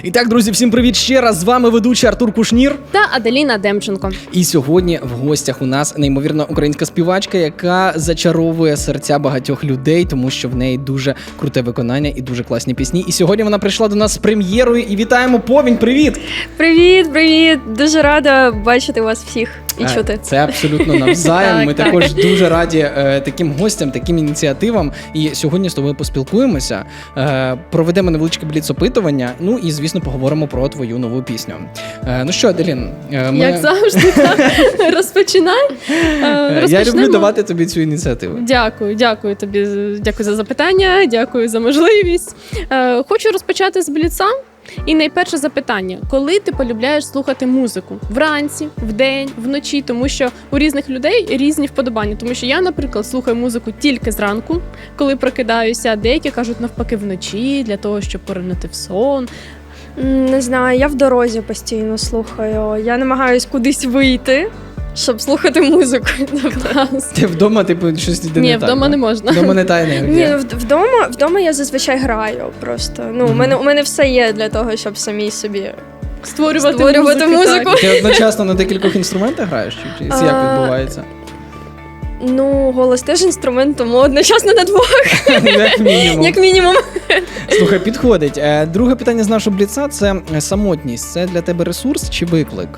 І так, друзі, всім привіт ще раз. З вами ведучий Артур Кушнір та Аделіна Демченко. І сьогодні в гостях у нас неймовірна українська співачка, яка зачаровує серця багатьох людей, тому що в неї дуже круте виконання і дуже класні пісні. І сьогодні вона прийшла до нас з прем'єрою. І вітаємо, Повінь, привіт! Привіт! Дуже рада бачити вас всіх і чути. Це абсолютно навзаєм. Ми також дуже раді таким гостям, таким ініціативам. І сьогодні з тобою поспілкуємося, проведемо невеличке бліц-опитування, ну і, звісно, поговоримо про твою нову пісню. Ну що, Аделін? Як завжди, розпочинай. Я люблю давати тобі цю ініціативу. Дякую тобі, дякую за запитання, дякую за можливість. Хочу розпочати з бліца. І найперше запитання: коли ти полюбляєш слухати музику? Вранці, вдень, вночі? Тому що у різних людей різні вподобання. Тому що я, наприклад, слухаю музику тільки зранку, коли прокидаюся. Деякі кажуть навпаки вночі, для того, щоб поринути в сон. Не знаю, я в дорозі постійно слухаю. Я намагаюсь кудись вийти, щоб слухати музику. Ти вдома, типу, щось іде не так? Ні, вдома не можна. Вдома не та енергія. Ні, вдома я зазвичай граю просто. У мене все є для того, щоб самій собі створювати музику. Ти одночасно на декількох інструментах граєш? Чи як відбувається? Голос теж інструмент, тому одночасно на двох. Як мінімум. Слухай, підходить. Друге питання з нашого бліца – це самотність. Це для тебе ресурс чи виклик?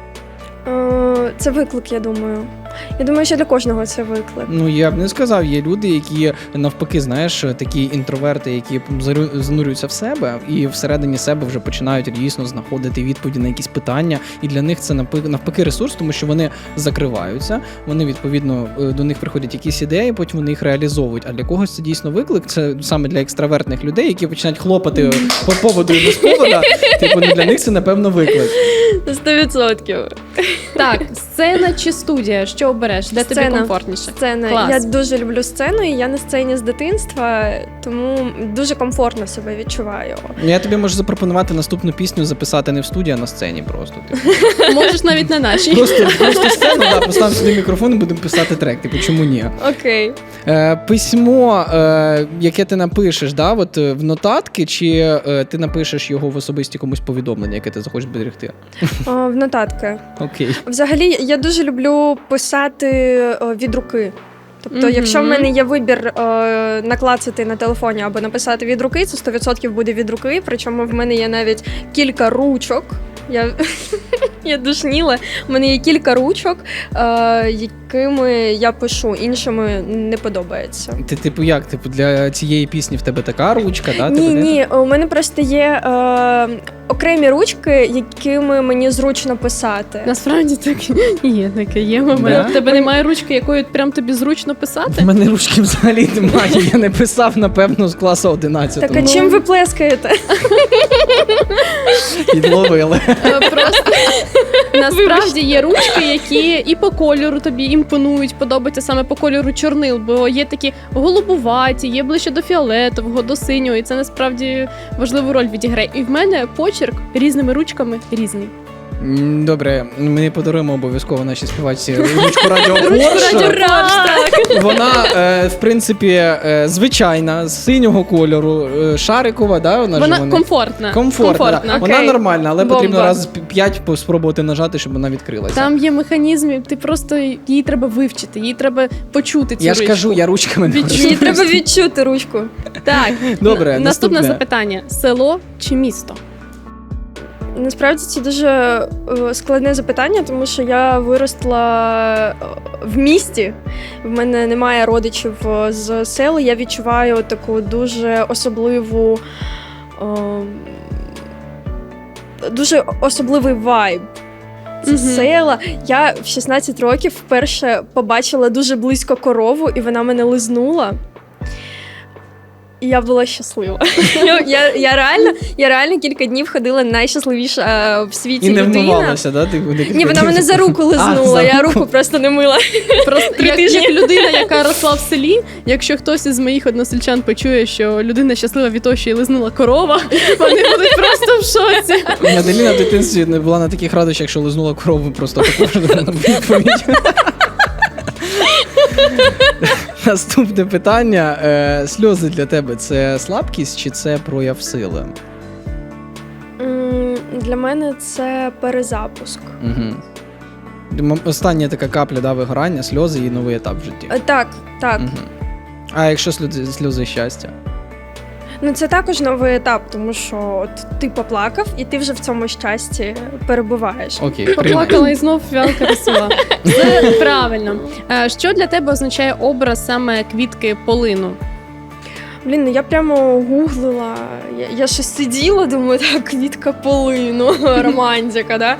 Це виклик, я думаю. Я думаю, що для кожного це виклик. Ну, я б не сказав. Є люди, які навпаки, знаєш, такі інтроверти, які занурюються в себе і всередині себе вже починають дійсно знаходити відповіді на якісь питання. І для них це навпаки ресурс, тому що вони закриваються, вони, відповідно, до них приходять якісь ідеї, потім вони їх реалізовують. А для когось це дійсно виклик. Це саме для екстравертних людей, які починають хлопати по поводу і без повода. Типу, для них це, напевно, виклик. 100%. Так, сцена чи студія? Що обереш? Де тобі комфортніше? Сцена. Клас. Я дуже люблю сцену, і я на сцені з дитинства, тому дуже комфортно себе відчуваю. Я тобі можу запропонувати наступну пісню записати не в студії, а на сцені просто. Можеш навіть на нашій. Просто сцену, поставимо сюди мікрофон і будемо писати трек. Типу, чому ні? Окей. Письмо, яке ти напишеш, от в нотатки, чи ти напишеш його в особисті комусь повідомлення, яке ти захочеш зберегти? В нотатки. Окей. Взагалі, я дуже люблю писати від руки. Тобто, якщо в мене є вибір наклацати на телефоні або написати від руки, це 100% буде від руки. Причому в мене є навіть кілька ручок. Я душніла. У мене є кілька ручок, якими я пишу, іншими не подобається. Ти, типу, як? Типу, для цієї пісні в тебе така ручка, да? Ні, у мене просто є окремі ручки, якими мені зручно писати. Насправді таке є момент. У тебе немає ручки, якою прям тобі зручно писати? У мене ручки взагалі немає, я не писав, напевно, з класу 11. Так, а чим ви плескаєте? Підловили. Просто насправді є ручки, які і по кольору тобі імпонують, подобаються саме по кольору чорнил, бо є такі голубуваті, є ближче до фіолетового, до синього, і це насправді важливу роль відіграє. І в мене почерк різними ручками різний. Добре, ми подаруємо обов'язково нашій співачці ручку Радіо Порш. Вона, в принципі, звичайна, з синього кольору, шарикова, да? Вона комфортна. Комфортна. Да. Вона нормальна, але Бомба. Потрібно раз 5 спробувати нажати, щоб вона відкрилася. Там є механізми, ти просто її треба вивчити, її треба почути цю Я ручку. ж кажу, я ручками не Їй користуюсь. треба відчути ручку. Так, Добре, наступне запитання. Село чи місто? Насправді це дуже складне запитання, тому що я виросла в місті. В мене немає родичів з села. Я відчуваю таку дуже особливу, дуже особливий вайб. Це села. Я в 16 років вперше побачила дуже близько корову, і вона мене лизнула. І я була щаслива. Я реально кілька днів ходила найщасливіша в світі людина. І не вмивалася, да? Ні, вона мене за руку лизнула, я руку просто не мила. Просто як людина, яка росла в селі, якщо хтось із моїх односельчан почує, що людина щаслива від того, що її лизнула корова, вони будуть просто в шоці. Аделіна в дитинстві не була на таких радощах, що лизнула корову просто також відповідь. Наступне питання. Сльози для тебе – це слабкість чи це прояв сили? Для мене це перезапуск. Угу. Остання така капля, да, вигорання, сльози і новий етап в житті. Так. Угу. А якщо сльози щастя? Ну, це також новий етап, тому що от ти поплакав, і ти вже в цьому щасті перебуваєш. Окей, Поплакала і знов фіалка росла. Це правильно. Що для тебе означає образ саме квітки полину? Блін, ну я прямо гуглила, я щось сиділа, думаю, так, квітка полину, романтика, да?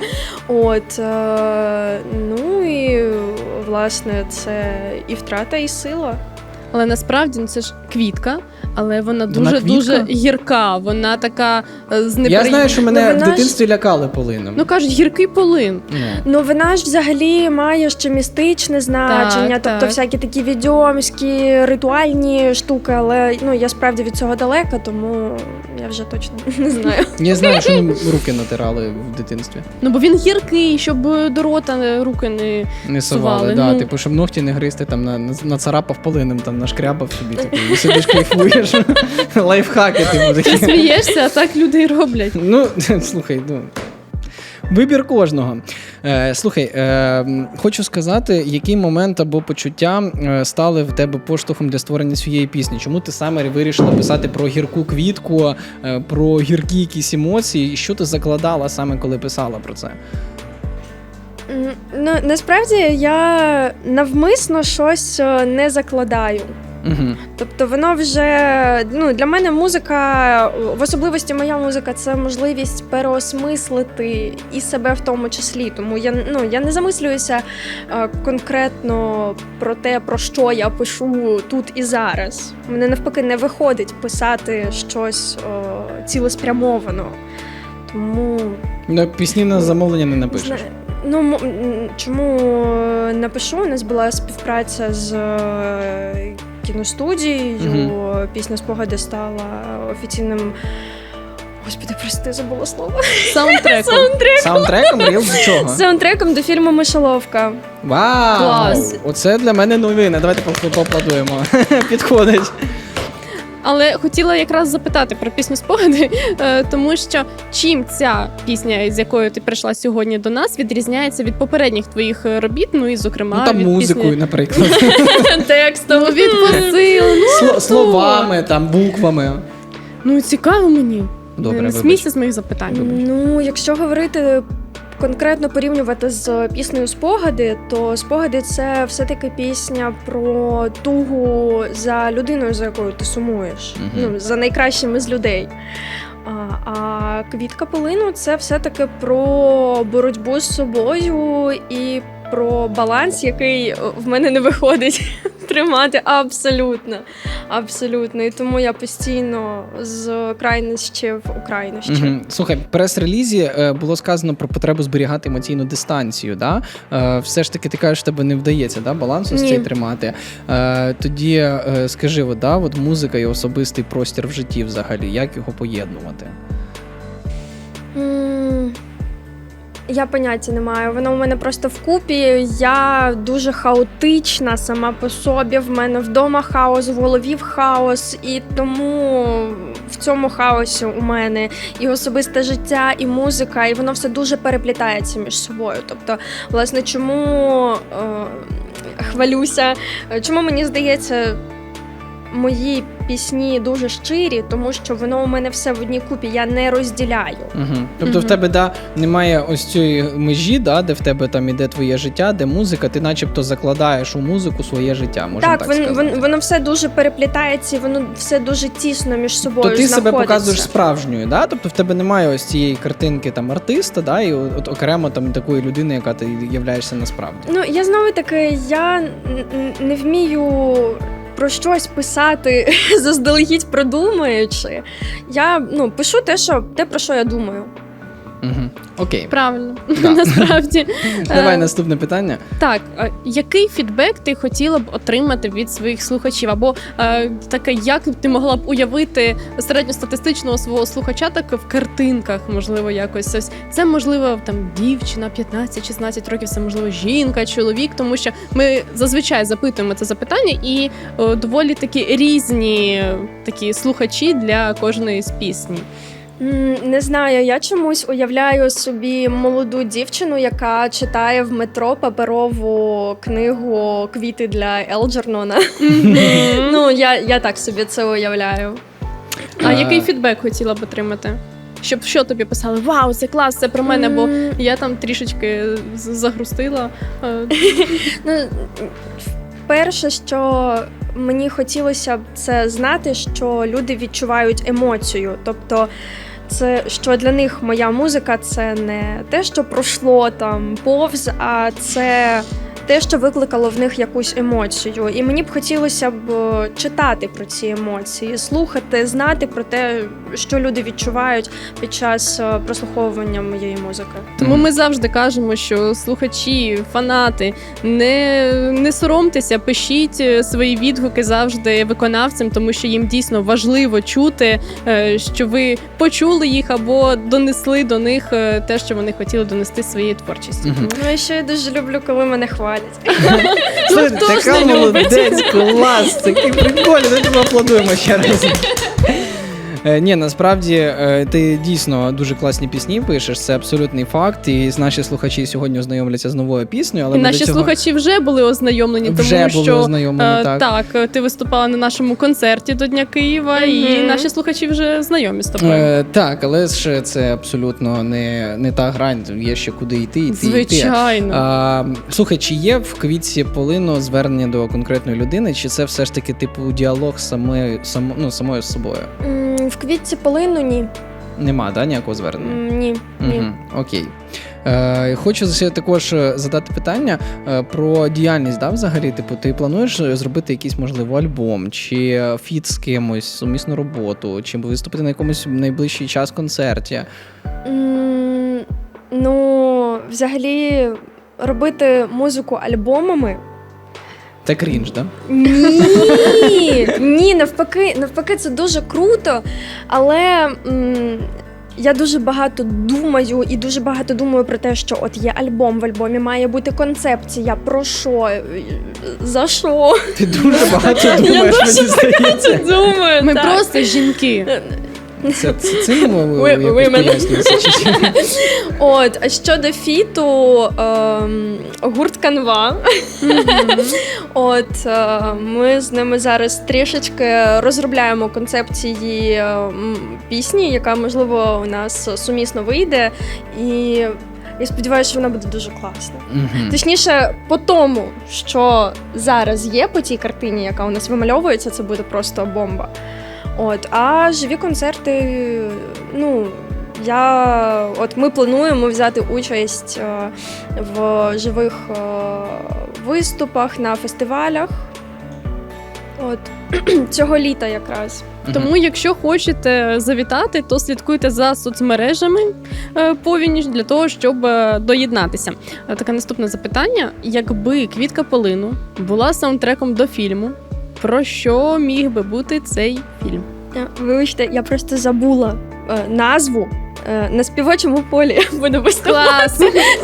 Ну і, власне, це і втрата, і сила. Але насправді це ж квітка, але вона Вона дуже гірка, вона така з Я знаю, що мене Ну, в вона дитинстві лякали полином. Ну кажуть, гіркий полин. Ну, вона ж взагалі має ще містичне значення, Так, тобто так. всякі такі відьомські, ритуальні штуки, але ну, я справді від цього далека, тому я вже точно не знаю. Я знаю, що нам руки натирали в дитинстві. Ну бо він гіркий, щоб до рота руки не Не Сували, совали, да, ну. типу, щоб ногті не гризти, там нацарапав полином, там нашкрябав собі, типу, і сидиш кайфуєш. Лайфхаки, типу, ти такі. смієшся, а так люди й роблять. Ну, слухай, ну. Вибір кожного. Слухай, хочу сказати, який момент або почуття стали в тебе поштовхом для створення своєї пісні? Чому ти саме вирішила писати про гірку квітку, про гіркі якісь емоції? І що ти закладала саме, коли писала про це? Ну, насправді я навмисно щось не закладаю. Угу. Тобто воно вже, ну, для мене музика, в особливості моя музика, це можливість переосмислити і себе в тому числі. Тому я не замислююся конкретно про те, про що я пишу тут і зараз. Мене навпаки не виходить писати щось цілеспрямовано. Тому Пісні на замовлення не напишеш. Ну, чому напишу? У нас була співпраця з кіностудією. Пісня «Спогади» стала офіційним. Господи, прости, забула слово. Саундтреком. Саундтреком? Ріл до чого? Саундтреком до фільму «Мишоловка». Вау! Клас. Оце для мене новина. Давайте поаплодуємо. Підходить. Але хотіла якраз запитати про пісню «Спогади», тому що чим ця пісня, з якою ти прийшла сьогодні до нас, відрізняється від попередніх твоїх робіт, ну і зокрема Ну там від музикою, пісні... наприклад. Текстом. Ну, від посил, Словами, там, буквами. Ну цікаво мені. Добре, Не вибач. смійся з моїх запитань. вибач. Ну, якщо говорити конкретно порівнювати з піснею «Спогади», то «Спогади» – це все-таки пісня про тугу за людиною, за якою ти сумуєш, ну, за найкращими з людей. А «Квітка полину» – це все-таки про боротьбу з собою і про баланс, який в мене не виходить тримати абсолютно. Абсолютно. І тому я постійно з крайнощів у крайнощі. Угу. Слухай, в прес-релізі було сказано про потребу зберігати емоційну дистанцію. Да? Все ж таки, ти кажеш, тебе не вдається, да? Баланс ось цей тримати. Тоді скажи, от музика і особистий простір в житті взагалі, як його поєднувати? Я поняття не маю. Воно у мене просто вкупі. Я дуже хаотична сама по собі. В мене вдома хаос, в голові хаос. І тому в цьому хаосі у мене і особисте життя, і музика, і воно все дуже переплітається між собою. Тобто, власне, чому хвалюся, чому мені здається, мої пісні дуже щирі, тому що воно у мене все в одній купі, я не розділяю. Тобто в тебе немає ось цієї межі, де в тебе там іде твоє життя, де музика, ти начебто закладаєш у музику своє життя, можна так сказати. Воно все дуже переплітається, і воно все дуже тісно між собою То ти знаходиться. себе показуєш справжньою, да? Тобто в тебе немає ось цієї картинки там артиста, і от окремо там такої людини, яка ти являєшся насправді. Ну, я знову таки, я не вмію про щось писати заздалегідь продумуючи. Я пишу те, про що я думаю. Окей. Правильно, Да. насправді. Давай наступне питання. Так, який фідбек ти хотіла б отримати від своїх слухачів? Або таке, як ти могла б уявити середньостатистичного свого слухача так в картинках, можливо, якось ось. Це, можливо, там дівчина 15-16 років, це, можливо, жінка, чоловік, тому що ми зазвичай запитуємо це запитання, і доволі такі різні такі слухачі для кожної з пісні. Не знаю, я чомусь уявляю собі молоду дівчину, яка читає в метро паперову книгу «Квіти для Елджернона». Ну, я так собі це уявляю. А який фідбек хотіла б отримати? Щоб що тобі писали? Вау, це клас, це про мене, бо я там трішечки загрустила. Ну, перше, що мені хотілося б це знати, що люди відчувають емоцію. Тобто, це що для них моя музика це не те, що пройшло там повз, а це те, що викликало в них якусь емоцію. І мені б хотілося б читати про ці емоції, слухати, знати про те, що люди відчувають під час прослуховування моєї музики. Тому ми завжди кажемо, що слухачі, фанати, не соромтеся, пишіть свої відгуки завжди виконавцям, тому що їм дійсно важливо чути, що ви почули їх або донесли до них те, що вони хотіли донести своєю творчістю. Ну і ще я дуже люблю, коли мене хвалять. Слухай, хто ж така не любить? молодець, клас, такий прикольний, давайте поаплодуємо ще раз. Ні, насправді ти дійсно дуже класні пісні пишеш, це абсолютний факт. І наші слухачі сьогодні ознайомляться з новою піснею. Але І ми наші до цього... слухачі вже були ознайомлені, Вже тому були що ознайомлені, так. ти виступала на нашому концерті до Дня Києва, і наші слухачі вже знайомі з тобою. Так, але ж це абсолютно не та грань, є ще куди йти. Звичайно. Слухай, чи є в «Квітці полину» звернення до конкретної людини, чи це все ж таки типу діалог самою з собою? В «Квітці полину» ні. Нема, да, ніякого звернення? Ні. Окей. Хочу ще також задати питання про діяльність, да, взагалі? Типу, ти плануєш зробити якийсь, можливо, альбом, чи фіт з кимось, сумісну роботу, чи виступити на якомусь найближчий час концерті? Ну, взагалі, робити музику альбомами. Це крінж, да? Ні, навпаки, це дуже круто, але я дуже багато думаю і дуже багато думаю про те, що от є альбом, в альбомі має бути концепція, про що, за що. Ти дуже багато думаєш, мені здається. Думаю, Ми так. просто жінки. Це цим Ви якось мене. пояснюється, чи що? От, а щодо фіту, гурт «Канва». От, ми з ними зараз трішечки розробляємо концепції пісні, яка, можливо, у нас сумісно вийде. І я сподіваюся, що вона буде дуже класна. Точніше, по тому, що зараз є по тій картині, яка у нас вимальовується, це буде просто бомба. От, а живі концерти, ну, ми плануємо взяти участь в живих виступах на фестивалях. От, цього літа якраз. Тому, якщо хочете завітати, то слідкуйте за соцмережами повініж для того, щоб доєднатися. Таке наступне запитання. Якби «Квітка полину» була саундтреком до фільму, про що міг би бути цей фільм? Вибачте, я просто забула назву. На співочому полі буду виступати. Клас!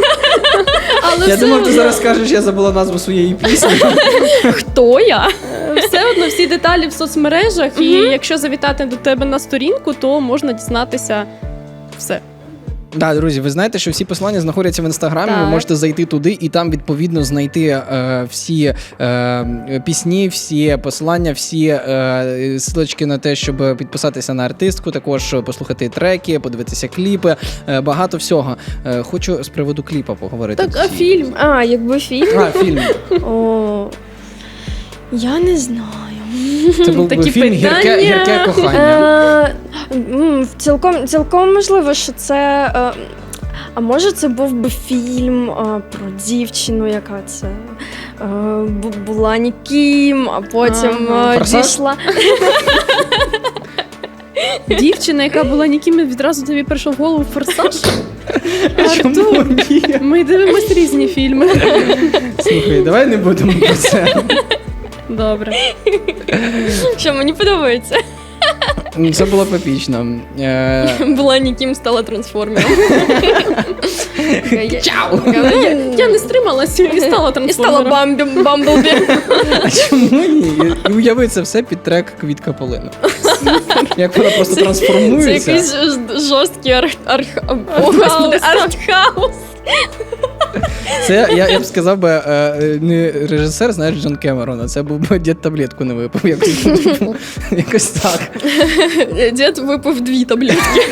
Але Я все думав, ти одно- зараз скажеш, я забула назву своєї пісні. Хто я? Все одно всі деталі в соцмережах, і якщо завітати до тебе на сторінку, то можна дізнатися все. Да, друзі, ви знаєте, що всі посилання знаходяться в інстаграмі. Ви Так. можете зайти туди і там відповідно знайти всі пісні, всі посилання, всі ссылочки на те, щоб підписатися на артистку, також послухати треки, подивитися кліпи, багато всього. Хочу з приводу кліпа поговорити. Так, а фільм? Якби фільм? Фільм. О, я не знаю. Це був би Такі фільм питання. «Гірке кохання». Цілком можливо, що це. А може, це був би фільм про дівчину, яка це була ніким, а потім «Форсаж»? дійшла. Дівчина, яка була ніким, відразу тобі прийшов в голову «Форсаж»? Чому Артур, ні? ми дивимося різні фільми. Слухай, давай не будемо про це. Добре. Що мені подобається. Це було б епічно. Була ніким, стала трансформером. Чау! Я не стрималася і стала І трансформером. стала Бамблбі. А чому ні? І уяви це все під трек «Квітка полину». Як вона просто Це трансформується. якийсь жорсткий артхаус. Це, я б сказав би, не режисер, знаєш, Джон Кемерон, а це був би дід таблетку не випив. Якось так. Дід випив 2 таблетки.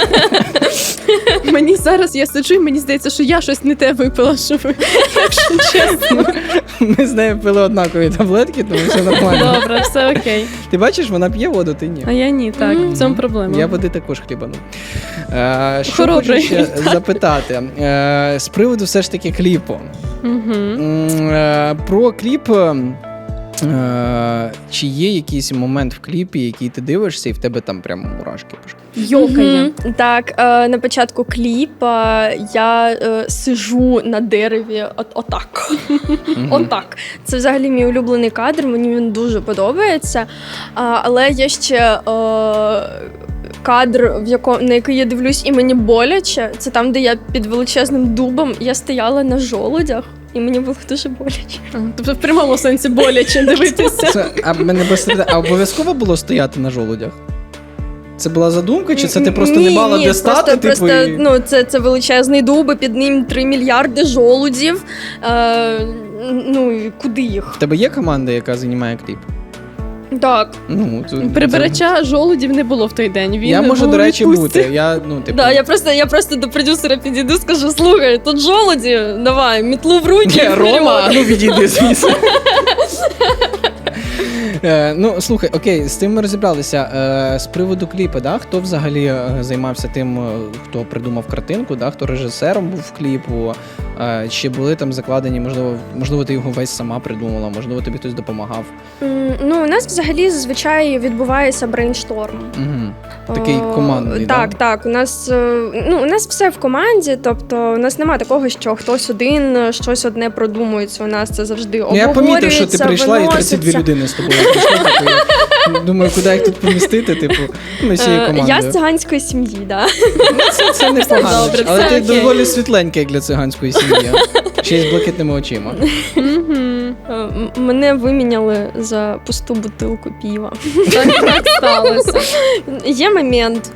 Мені зараз, я сиджу, і мені здається, що я щось не те випила, що ви, якщо чесно. Ми з нею пили однакові таблетки, тому все нормально. Добре, все окей. Ти бачиш, вона п'є воду, ти ні. А я ні, так, в цьому проблема. Я води також хлібану. Що Хоробрий. хочу ще запитати. З приводу все ж таки кліпу. Про кліп. Чи є якийсь момент в кліпі, який ти дивишся, і в тебе там прямо мурашки пішли? Йокає. Так, на початку кліпа я сижу на дереві отак. Отак. Це взагалі мій улюблений кадр, мені він дуже подобається. Але є ще кадр, на який я дивлюсь, і мені боляче. Це там, де я під величезним дубом, я стояла на жолудях. І мені було дуже боляче. Тобто в прямому сенсі боляче дивитися. А обов'язково було стояти на жолудях? Це була задумка, чи це ти просто не мала де стати? Просто, це величезний дуб, і під ним 3 мільярди жолудів. І куди їх? В тебе є команда, яка знімає кліп? Так. Прибирача жолудів не було в той день. Він я можу, був до речі, у відпустці. бути. Я просто до продюсера підійду, скажу: слухай, тут жолуді, давай, мітлу в руки. Рома, відійди звідси. Слухай, окей, з тим ми розібралися. З приводу кліпу, да? Хто взагалі займався тим, хто придумав картинку, да? Хто режисером був в кліпу? Чи були там закладені, можливо, ти його весь сама придумала, можливо, тобі хтось допомагав? У нас взагалі зазвичай відбувається брейншторм. Такий командний, так. У нас все в команді, тобто у нас немає такого, що хтось один щось одне продумується. У нас це завжди обговорюється, я помітив, що ти прийшла і 32 виноситься. людини з тобою прийшли. Я думаю, куди їх тут помістити, ми всією командою. Я з циганської сім'ї, так. Це непогано, добре, але все ти окей. доволі світленька, як для циганської сім'ї. Ще й з блакитними очима. Мене виміняли за пусту бутилку пива. Так сталося. Є момент.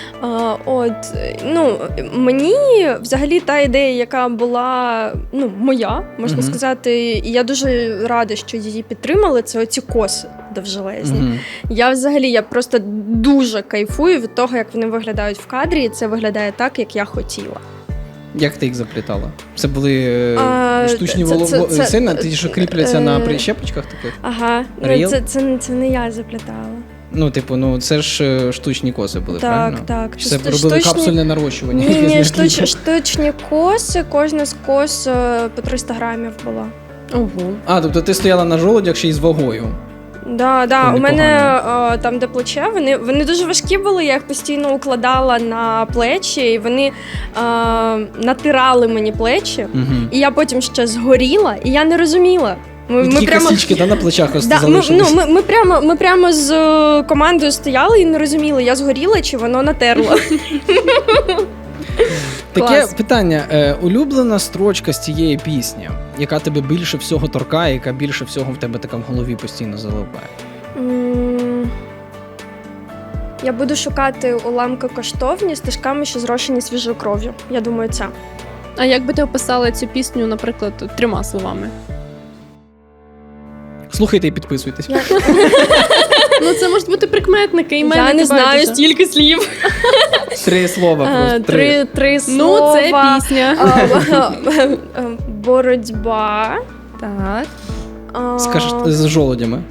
Мені взагалі та ідея, яка була моя, можна сказати, і я дуже рада, що її підтримали, це оці коси довжелезні. Я просто дуже кайфую від того, як вони виглядають в кадрі, і це виглядає так, як я хотіла. Як ти їх заплітала? Це були штучні волосини, ті, що кріпляться на прищепочках таких? Ага, це не я заплітала. Це ж штучні коси були, правильно? Так. Це робили капсульне нарощування? Ні, штучні коси, кожна з кос по 300 грамів була. Ого. Тобто ти стояла на жолудях ще й з вагою? Да. У мене там, де плече, вони дуже важкі були, я їх постійно укладала на плечі, і вони натирали мені плечі, і я потім ще згоріла, і я не розуміла. Такі косички на плечах залишились. Ми прямо з командою стояли і не розуміли, я згоріла чи воно натерло. Таке питання. Улюблена строчка з цієї пісні, яка тебе більше всього торкає, яка більше всього в тебе така в голові постійно залипає? Я буду шукати уламки коштовні стежками, що зрошені свіжою кров'ю. Я думаю, це. А як би ти описала цю пісню, наприклад, 3 словами? Слухайте і підписуйтесь. Це можуть бути прикметники, і мене я не знаю стільки слів. 3 слова просто. 3 слова. Це пісня. Боротьба. Так. Скажеш з жолудями.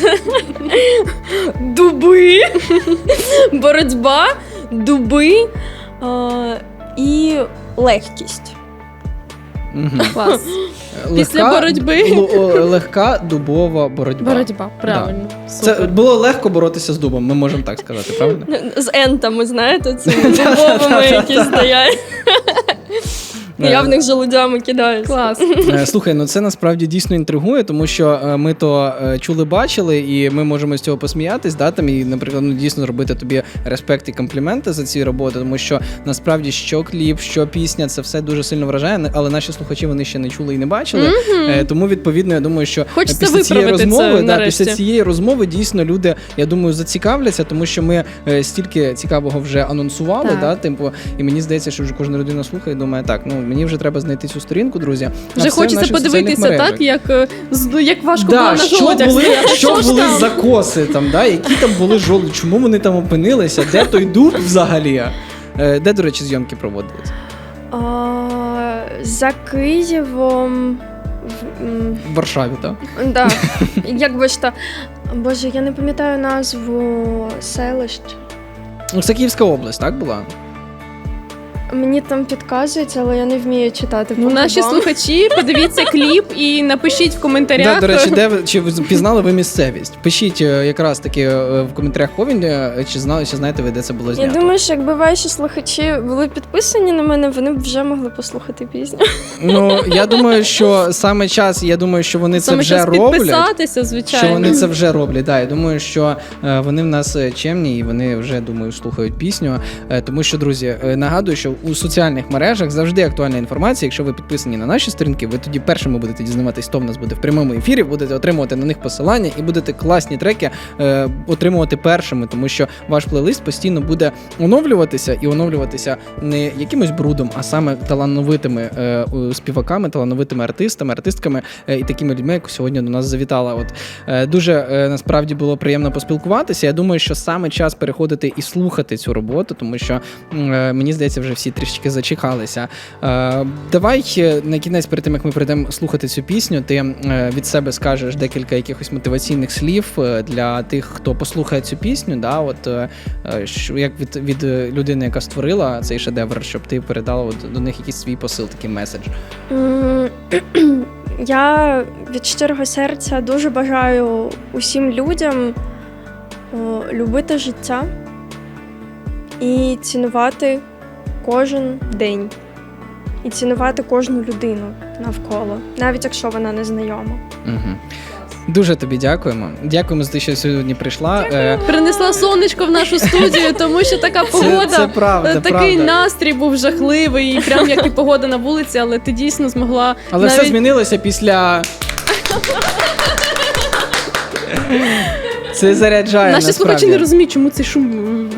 Дуби. Боротьба, дуби і легкість. Клас. Після боротьби. Легка дубова боротьба. Боротьба, правильно. Це було легко боротися з дубом, ми можемо так сказати, правильно? З ентами, знаєте, цими дубовими, які стоять. Я в них желудями кидаюсь. Клас. Слухай, ну це насправді дійсно інтригує, тому що ми то чули, бачили, і ми можемо з цього посміятись, да, там, і, наприклад, ну, дійсно зробити тобі респект і компліменти за ці роботи, тому що насправді що кліп, що пісня, це все дуже сильно вражає, але наші слухачі вони ще не чули і не бачили. Тому, відповідно, я думаю, що Хочеться після цієї виправити розмови, це після нарешті. цієї розмови дійсно люди, я думаю, зацікавляться, тому що ми стільки цікавого вже анонсували, Так. да, типу, і мені здається, що вже кожна людина слухає і думає, так, ну мені вже треба знайти цю сторінку, друзі. А Вже все в хочеться наших соціальних подивитися мережах. так, як важко було Да, на що жолудях були, стояти. що ж були там? закоси там, да? Які там були жолуді, чому вони там опинилися, де той дуб взагалі? Де, до речі, зйомки проводились? За Києвом. В Варшаві, так? Да. Як би ж то. Боже, я не пам'ятаю назву селищ. Ну, це Київська область, так була? Мені там підказують, але я не вмію читати. Ну, по наші губам. слухачі, подивіться кліп і напишіть в коментарях. Да, до речі, чи ви пізнали ви місцевість? Пишіть якраз таки в коментарях Повінь, чи знаєте ви, де це було Я знято. думаю, що якби ваші слухачі були підписані на мене, вони б вже могли послухати пісню. Ну, я думаю, що саме час, я думаю, що вони це Саме вже час роблять. підписатися, звичайно. Що вони це вже роблять. Да, я думаю, що вони в нас чемні і вони вже, думаю, слухають пісню. Тому що, друзі, нагадую, що у соціальних мережах завжди актуальна інформація. Якщо ви підписані на наші сторінки, ви тоді першими будете дізнаватись, хто в нас буде в прямому ефірі, будете отримувати на них посилання і будете класні треки отримувати першими, тому що ваш плейлист постійно буде оновлюватися і оновлюватися не якимось брудом, а саме талановитими співаками, талановитими артистами, артистками і такими людьми, як сьогодні до нас завітала. От дуже насправді було приємно поспілкуватися. Я думаю, що саме час переходити і слухати цю роботу, тому що мені здається, вже всі трішки зачекалися. Давай на кінець, перед тим як ми прийдемо слухати цю пісню, ти від себе скажеш декілька якихось мотиваційних слів для тих, хто послухає цю пісню. Да, от як від людини, яка створила цей шедевр, щоб ти передала от до них якийсь свій посил, такий меседж. Я від щирого серця дуже бажаю усім людям любити життя і цінувати кожен день. І цінувати кожну людину навколо, навіть якщо вона не знайома. Угу. Дуже тобі дякуємо. Дякуємо за те, що сьогодні прийшла. Принесла сонечко в нашу студію, тому що така погода, це правда, такий правда. настрій був жахливий, і прям як і погода на вулиці, але ти дійсно змогла Але навіть... все змінилося після... Це заряджає, Наші насправді. слухачі не розуміють, чому цей шум.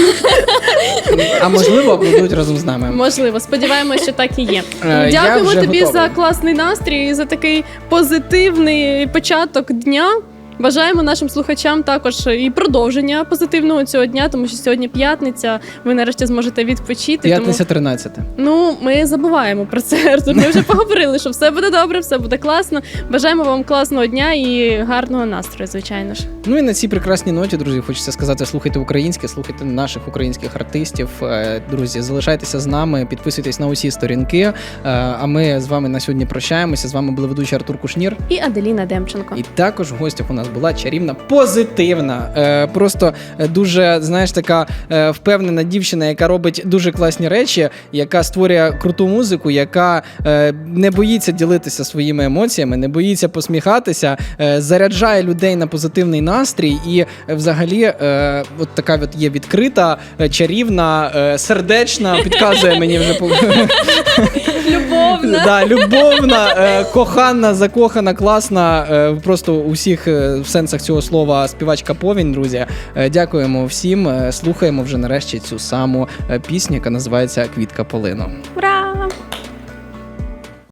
А можливо, будуть разом з нами. Можливо, сподіваємося, що так і є. Я Дякуємо вже тобі готовий. за класний настрій і за такий позитивний початок дня. Бажаємо нашим слухачам також і продовження позитивного цього дня, тому що сьогодні п'ятниця, ви нарешті зможете відпочити. П'ятниця 13. Ну, ми забуваємо про це, Артур. Ми вже поговорили, що все буде добре, все буде класно. Бажаємо вам класного дня і гарного настрою, звичайно ж. Ну і на цій прекрасній ноті, друзі, хочеться сказати, слухайте українське, слухайте наших українських артистів. Друзі, залишайтеся з нами, підписуйтесь на усі сторінки. А ми з вами на сьогодні прощаємося. З вами був ведучий Артур Кушнір. І Аделіна Демченко. І також в гостях у нас була чарівна, позитивна, просто дуже, знаєш, така впевнена дівчина, яка робить дуже класні речі, яка створює круту музику, яка не боїться ділитися своїми емоціями, не боїться посміхатися, заряджає людей на позитивний настрій і взагалі от така от є відкрита, чарівна, сердечна, підказує мені вже Любовна. Да, любовна, кохана, закохана, класна, просто у всіх в сенсах цього слова співачка Повінь, друзі. Дякуємо всім, слухаємо вже нарешті цю саму пісню, яка називається «Квітка полину». Ура!